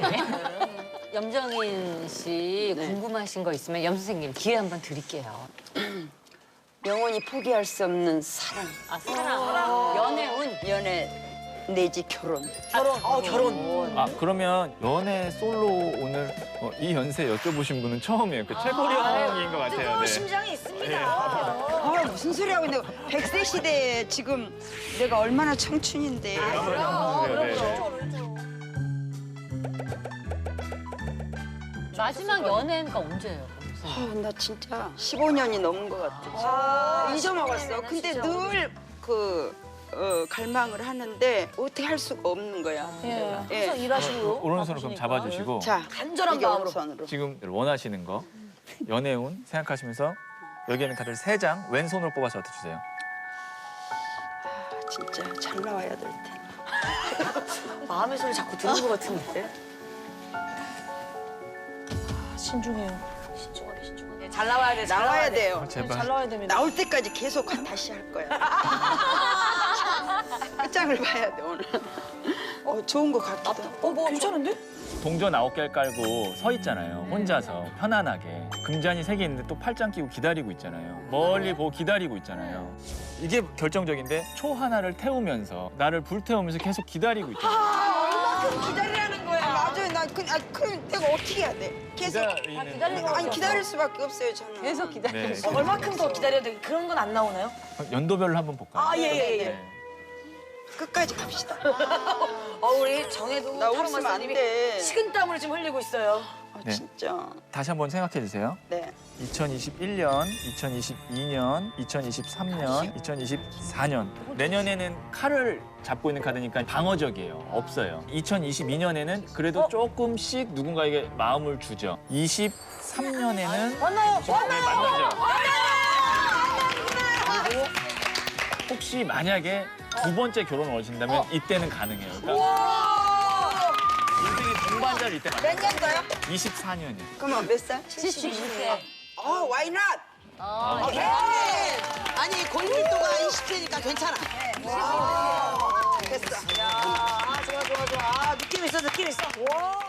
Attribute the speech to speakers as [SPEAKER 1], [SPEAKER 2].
[SPEAKER 1] 염정인 씨 궁금하신 거 있으면 염 선생님 기회 한번 드릴게요.
[SPEAKER 2] 영원히 포기할 수 없는 사랑,
[SPEAKER 1] 아, 사랑. 연애운.
[SPEAKER 2] 연애 내지 결혼.
[SPEAKER 1] 결혼.
[SPEAKER 3] 아 그러면 연애 솔로 오늘 이 연세 여쭤보신 분은 처음이에요. 그 최고령인 것 같아요. 네.
[SPEAKER 4] 심장이 있습니다.
[SPEAKER 2] 아, 무슨 소리 하고 있는 거야. 100세 시대에 지금 내가 얼마나 청춘인데.
[SPEAKER 1] 마지막 연애가 언제예요?
[SPEAKER 2] 나 진짜 15년이 넘은 것 같아. 잊어먹었어. 근데 늘 갈망을 하는데 어떻게 할 수가 없는 거야.
[SPEAKER 4] 예.
[SPEAKER 2] 예.
[SPEAKER 4] 항상 일하시고.
[SPEAKER 3] 오른손을 그럼 잡아주시고
[SPEAKER 2] 자,
[SPEAKER 4] 간절한
[SPEAKER 2] 이게
[SPEAKER 4] 마음으로.
[SPEAKER 2] 오른손으로.
[SPEAKER 3] 지금 원하시는 거 연애운 생각하시면서 여기 있는 카드를 3장 왼손으로 뽑아서 주세요.
[SPEAKER 2] 진짜 잘 나와야 될 텐데.
[SPEAKER 4] 마음의 소리 자꾸 듣는 것 같은데. 신중해요. 신중하게. 잘 나와야 돼.
[SPEAKER 2] 나와야 돼요.
[SPEAKER 3] 제발.
[SPEAKER 4] 잘 나와야 됩니다.
[SPEAKER 2] 나올 때까지 계속 다시 할 거야. 끝장을 봐야 돼 오늘. 좋은 거 같기도.
[SPEAKER 4] 뭐 괜찮은데?
[SPEAKER 3] 동전 9개를 깔고 서 있잖아요. 혼자서 편안하게. 금잔이 3개 있는데 또 팔짱 끼고 기다리고 있잖아요. 멀리 보고 기다리고 있잖아요. 이게 결정적인데 초 하나를 태우면서 나를 불태우면서 계속 기다리고 있잖아요.
[SPEAKER 2] 얼마큼 기다리라는 거야. 맞아요. 그럼 내가 어떻게 해야 돼? 계속. 아니 기다릴 수밖에 없어요 저는.
[SPEAKER 1] 계속 기다리고
[SPEAKER 3] 네.
[SPEAKER 1] 있어요.
[SPEAKER 4] 얼마큼 더 기다려야 돼? 그런 건 안 나오나요?
[SPEAKER 3] 연도별로 한번 볼까요?
[SPEAKER 4] 아, 예.
[SPEAKER 3] 네.
[SPEAKER 2] 끝까지 갑시다.
[SPEAKER 4] 우리 정혜도
[SPEAKER 2] 나 웃으면 안 돼.
[SPEAKER 4] 식은땀을 지금 흘리고 있어요.
[SPEAKER 3] 네.
[SPEAKER 2] 진짜.
[SPEAKER 3] 다시 한번 생각해 주세요.
[SPEAKER 2] 네.
[SPEAKER 3] 2021년, 2022년, 2023년, 2024년. 내년에는 칼을 잡고 있는 카드니까 방어적이에요. 없어요. 2022년에는 그래도 조금씩 누군가에게 마음을 주죠. 23년에는
[SPEAKER 4] 만나요.
[SPEAKER 3] 네, 만나죠. 그리고 혹시 만약에 2번째 결혼을 원하신다면 이때는 가능해요. 그러니까 인생의 동반자를 이때 만나요.
[SPEAKER 2] 몇 년도요?
[SPEAKER 3] 24년이요.
[SPEAKER 2] 그러면 몇 살?
[SPEAKER 1] 72세.
[SPEAKER 2] why not?
[SPEAKER 5] 아니 골밀도가 20대니까 괜찮아.
[SPEAKER 2] 됐어.
[SPEAKER 4] 좋아. 느낌 있어.